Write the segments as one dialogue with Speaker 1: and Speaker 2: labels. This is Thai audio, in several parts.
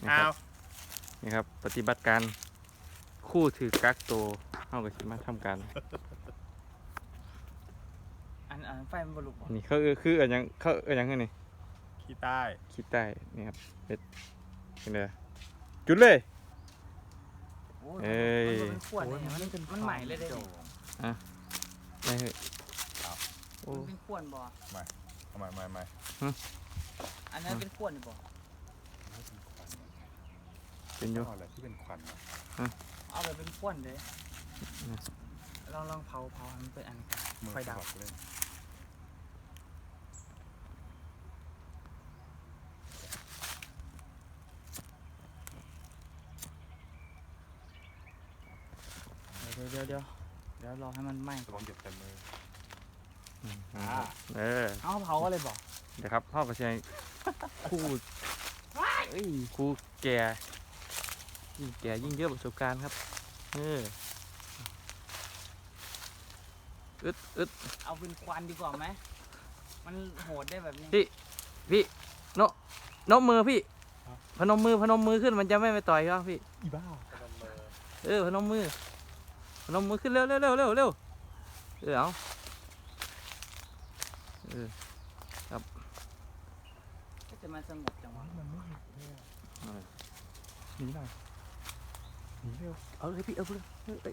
Speaker 1: นี่ครับปฏิบัติการคู่ถือกักโตเข้ากับชิมาทำการ
Speaker 2: อันไฟมันบรรลุ
Speaker 1: นี่เขาคืออันยังเขายังไงนี่
Speaker 3: ขี้ใต้
Speaker 1: ขี้ใต้นี่ครับเป็นไงจุดเลยเอ้ย
Speaker 2: มันขวดเนี่ยมันใหม่เลยได้ดิ
Speaker 1: ไม่เฮ้ยโอ้
Speaker 2: มันเป็นขวดบ่
Speaker 3: ไม่
Speaker 2: อันนั้นเป็นขวดบ่
Speaker 1: เป็นอยู่
Speaker 3: อะไรที่เป็นควัน
Speaker 2: เอาแบบเป็นขวดเลยลองเผามันเป็นอันไฟดับ
Speaker 3: เลย
Speaker 2: เดี๋ยวรอให้มันไหม้
Speaker 3: ระวังเจ็บเต็มมือ
Speaker 2: เอาเผาอะไรบ่
Speaker 1: เดี๋ยวครับพ่อก็ใช้คู่คู่แก่ยิ่งแก่ยิ่งเยอะประสบการณ์ครับอึด
Speaker 2: เอาเป็นควันดีกว่าไหมมันโหดได้แบบนี้
Speaker 1: พี่นกมือพี่พนมมือขึ้นมันจะไม่ไปต่อยครับพี่
Speaker 3: อีบ้า
Speaker 1: พนมมือขึ้นเร็วเอาครับ
Speaker 2: ก็จะมาสงบจังวะ
Speaker 3: มันไม่เห็นเลยหนีหน่อยหนีเร็ว
Speaker 1: เอาเลยพี่เอาเลย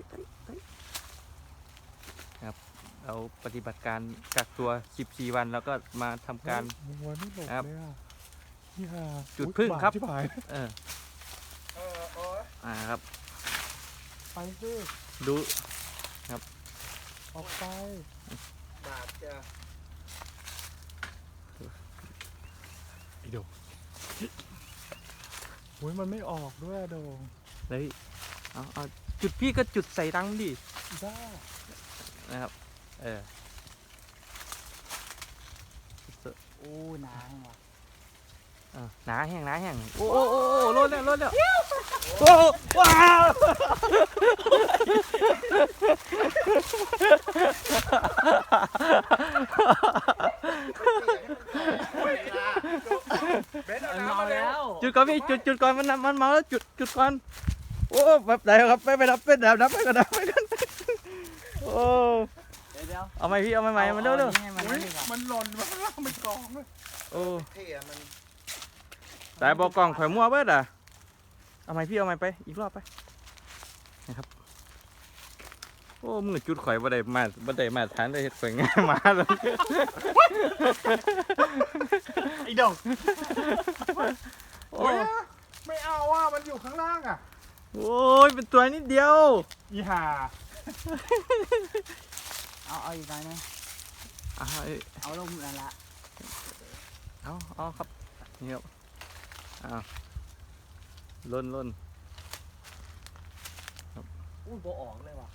Speaker 1: ครับเราปฏิบัติการกักตัว14 วันแล้วก็มาทำการ
Speaker 3: วัวนี่หลบเลยอ่ะนี่ค่ะ
Speaker 1: จุดพึ่งครับ
Speaker 3: ที่ผาย
Speaker 1: ครับ
Speaker 3: ไปสิ
Speaker 1: ดู
Speaker 3: ออกไป
Speaker 2: บาดจะ
Speaker 3: ไอ้โดงโอ้ยมันไม่ออกด้วยโดง
Speaker 1: เลยเอาจุดพี่ก็จุดใส่รังดิ
Speaker 3: อีบ้า
Speaker 1: นะครับ
Speaker 2: โอ้หนาแห้งว่ะ
Speaker 1: หนาแห้งโอ้ลดแล้วโอ้ว้าว
Speaker 2: มันเมาแล้ว
Speaker 1: จุดก่อนพี่จุดก่อนมันเมาแล้วจุดก่อนโอ้แบบไหนครับไปดับไปกันโอ้
Speaker 2: เดี๋ยว
Speaker 1: เอาไหมพี่เอาไหมมันเร็ว
Speaker 3: มันหล่นมามันกองเลย
Speaker 1: โอ้แต่บอกกล่องข่อยมั่วเบิดอ่ะเอาไหมพี่เอาไหมไปอีกรอบไปนะครับโอ้มือจุดข่อยบ่ได้มาทานได้ข่อยง่ายมาเลย
Speaker 3: ไอ้โดงโอ้ยไม่เอาอ่ะมันอยู่ข้างล่างอ่ะ
Speaker 1: โอ้ยเป็นตัวนิดเดียว
Speaker 3: อีห่า
Speaker 2: เอาอีกหน่อยนึงเอาลงนั่นละ
Speaker 1: เอาครับนี่ครับล้น
Speaker 2: อุ้ยโบออกเลยว่ะ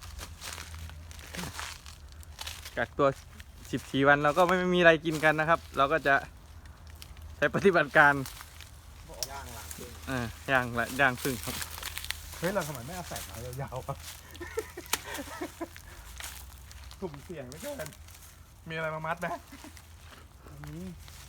Speaker 1: กักตัว14 วันเราก็ไม่มีอะไรกินกันนะครับ เราก็จะใช้ปฏิบัติการย่างพึ่งครับ
Speaker 3: เฮ้ยเราทำไมไม่เอาแสงมายาวๆอ่ะกลุ่มเสี่ยงเหลือเกินมีอะไรมามัดไหม
Speaker 2: นี่